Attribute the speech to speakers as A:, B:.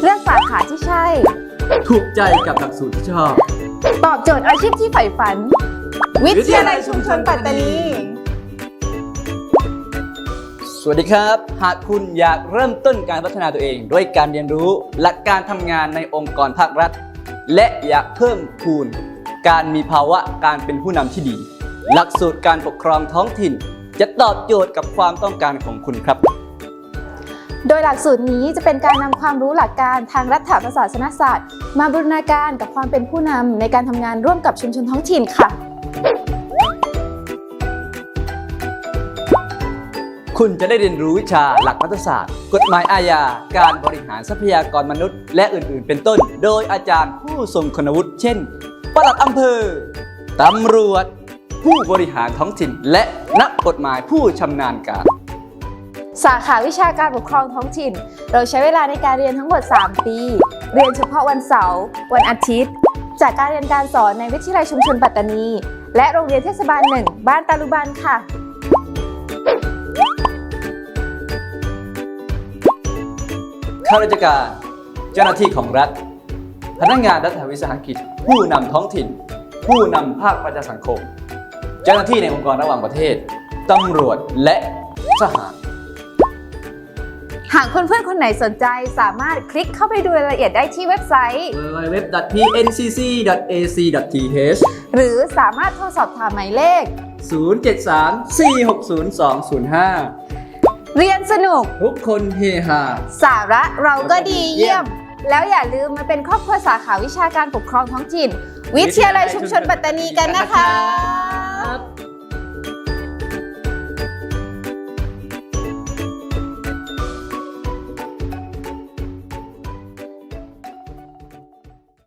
A: เลือกสาขาที่ใช่
B: ถูกใจกับหลักสูตรที่ชอบ
A: ตอบโจทย์อาชีพที่ใฝ่ฝันวิทยาลัยชุมชนปัตตานี
B: สวัสดีครับหากคุณอยากเริ่มต้นการพัฒนาตัวเองด้วยการเรียนรู้หลักการทำงานในองค์กรภาครัฐและอยากเพิ่มพูนการมีภาวะการเป็นผู้นำที่ดีหลักสูตรการปกครองท้องถิ่นจะตอบโจทย์กับความต้องการของคุณครับ
A: โดยหลักสูตรนี้จะเป็นการนำความรู้หลักการทางรัฐประศาสนศาสตร์มาบูรณาการกับความเป็นผู้นำในการทำงานร่วมกับชุมชนท้องถิ่นค่ะ
B: คุณจะได้เรียนรู้วิชาหลักรัฐศาสตร์กฎหมายอาญาการบริหารทรัพยากรมนุษย์และอื่นๆเป็นต้นโดยอาจารย์ผู้ทรงคุณวุฒิเช่นปลัดอำเภอตำรวจผู้บริหารท้องถิ่นและนักกฎหมายผู้ชำนาญการ
A: สาขาวิชาการปกครองท้องถิ่นเราใช้เวลาในการเรียนทั้งหมด3 ปีเรียนเฉพาะวันเสาร์วันอาทิตย์จากการเรียนการสอนในวิทยาลัยชุมชนปัตตานีและโรงเรียนเทศบาล1บ้านตาลุบันค่ะ
B: ข้าราชการเจ้าหน้าที่ของรัฐพนักงานรัฐวิสาหกิจผู้นำท้องถิ่นผู้นำภาคประชาสังคมเจ้าหน้าที่ในองค์กรระหว่างประเทศตำรวจและทหาร
A: หากเพื่อนๆคนไหนสนใจสามารถคลิกเข้าไปดูรายละเอียดได้ที่เว็บไซต์
B: www.pncc.ac.th
A: หรือสามารถโทรสอบถามหมายเลข
B: 073-460-205
A: เรียนสนุก
B: ทุกคนเฮฮา
A: สาระเราก็ดีเยี่ยมแล้วอย่าลืมมาเป็นครอบครัวสาขาวิชาการปกครองท้องถิ่นวิทยาลัยชุมชนปัตตานีกันนะคะ